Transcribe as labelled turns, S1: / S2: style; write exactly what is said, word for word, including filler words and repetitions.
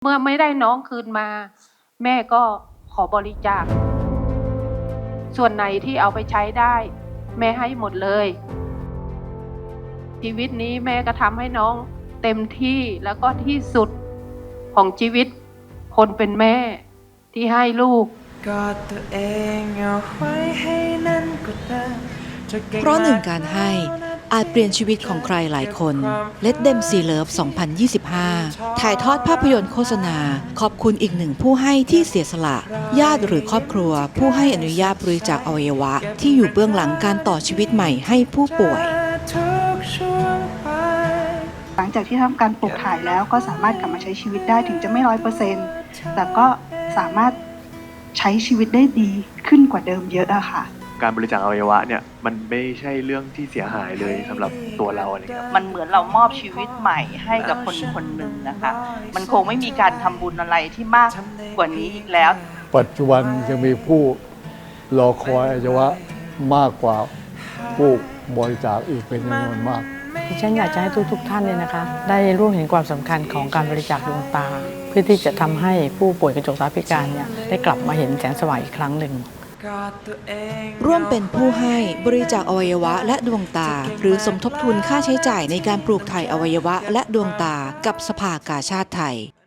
S1: เมื่อไม่ได้น้องคืนมาแม่ก็ขอบริจาคส่วนไหนที่เอาไปใช้ได้แม่ให้หมดเลยชีวิตนี้แม่ก็ทำให้น้องเต็มที่แล้วก็ที่สุดของชีวิตคนเป็นแม่ที่ให้ลูก
S2: กอดตัวเองเอาไว้ให้นั่นก็ได้
S3: เพราะหนึ่งการให้อาจเปลี่ยนชีวิตของใครหลายคน Let Them See Love สองพันยี่สิบห้า ถ่ายทอดภาพยนตร์โฆษณาขอบคุณอีกหนึ่งผู้ให้ที่เสียสละญาติหรือครอบครัวผู้ให้อนุญาตบริจาคอวัยวะที่อยู่เบื้องหลังการต่อชีวิตใหม่ให้ผู้ป่วย
S4: หลังจากที่ทำการปลูกถ่ายแล้วก็สามารถกลับมาใช้ชีวิตได้ถึงจะไม่ร้อยเปอร์เซ็นต์แต่ก็สามารถใช้ชีวิตได้ดีขึ้นกว่าเดิมเยอะอะค่ะ
S5: การบริจาคอวัยวะเนี่ยมันไม่ใช่เรื่องที่เสียหายเลยสำหรับตัวเราอะไรเงี้ย
S6: มันเหมือนเรามอบชีวิตใหม่ให้กับคนคนหนึ่งนะคะมันคงไม่มีการทำบุญอะไรที่มากกว่านี้อีกแล้ว
S7: ปัจจุบันยังมีผู้รอคอยอวัยวะมากกว่าผู้บริจาคอีกเป็นจำนวนมาก
S8: ฉันอยากจะให้ทุกๆท่านเนี่ยนะคะได้รู้เห็นความสำคัญของการบริจาคดวงตาเพื่อที่จะทำให้ผู้ป่วยกระจกตาพิการเนี่ยได้กลับมาเห็นแสงสว่างอีกครั้งหนึ่ง
S3: ร่วมเป็นผู้ให้บริจาคอวัยวะและดวงตาหรือสมทบทุนค่าใช้จ่ายในการปลูกถ่ายอวัยวะและดวงตากับสภากาชาดไทย